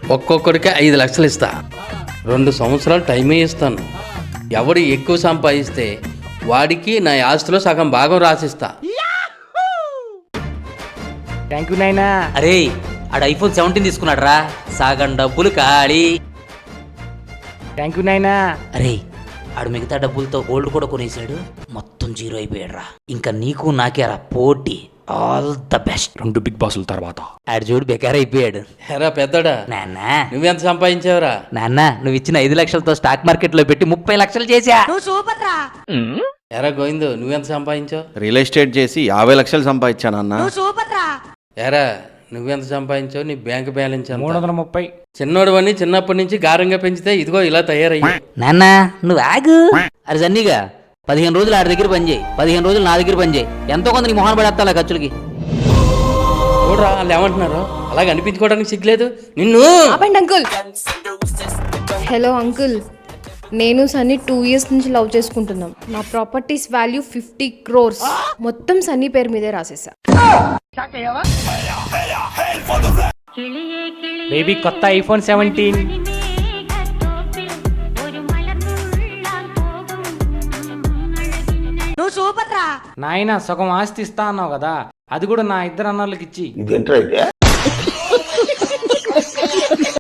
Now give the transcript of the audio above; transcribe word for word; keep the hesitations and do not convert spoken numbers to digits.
ఒక్కొక్కడికి ఐదు లక్షలు ఇస్తా. రెండు సంవత్సరాలు టైమే ఇస్తాను. ఎవడు ఎక్కువ సంపాదిస్తే వాడికి నా ఆస్తిలో సగం భాగం రాసిస్తా. థ్యాంక్ యూ నాయనా. అరే ఆడు ఐఫోన్ సెవెంటీన్ తీసుకున్నాడు రా, సగం డబ్బులు ఖాళీ. థ్యాంక్ యూ నాయనా. అరే ఆడు మిగతా డబ్బులతో గోల్డ్ కూడా కొనేసాడు, మొత్తం జీరో అయిపోయాడు రా. ఇంకా నీకు నాకేరా పోటీ. All the best. రెండు బిగ్ బాసుల తర్వాత ఆడు చూడు బెకార్ అయిపోయాడు. ఎరా పెద్దడా, నాన్న నువ్వెంత సంపాదించావురా? నాన్న నువ్వు ఇచ్చిన ఐదు లక్షలతో స్టాక్ మార్కెట్ లో పెట్టి ముప్పై లక్షలు చేశా. ఎరా గోవిందు, నువ్వెంత సంపాదించావు? రియల్ ఎస్టేట్ చేసి యాభై లక్షలు సంపాదించాను అన్న. ఎరా నువ్వెంత సంపాదించావు? నీ బ్యాంక్ బ్యాలెన్స్ ఎంత? మూడు వందల ముప్పై. చిన్నోడు అని చిన్నప్పటి నుంచి గారంగా పెంచితే ఇదిగో ఇలా తయారయ్యా. నాన్న నువ్వు ఆగు. అరే జన్నీగా పదిహేను రోజులు ఆడి దగ్గర పని చేయి, పదిహేను రోజులు నా దగ్గర పని చేయి. ఎంతో కొంత నీ మొహన్ పడేస్తా ఖర్చులకి. చూడరా వాళ్ళు ఏమంటున్నారు, అలాగ అనిపించుకోవడానికి సిగ్గులేదు నిన్ను. ఆపండి అంకుల్. హలో అంకుల్, నేను సన్నీ టూ ఇయర్స్ నుంచి లవ్ చేసుకుంటున్నాం. నా ప్రాపర్టీస్ వాల్యూ ఫిఫ్టీ క్రోర్స్ మొత్తం సన్నీ పేరు మీదే రాసేసా. బేబీ కొత్త ఐఫోన్ సెవెంటీన్. నాయన సగం ఆస్తి ఇస్తా అన్నావు కదా, అది కూడా నా ఇద్దరు అన్నోళ్ళకి ఇచ్చి.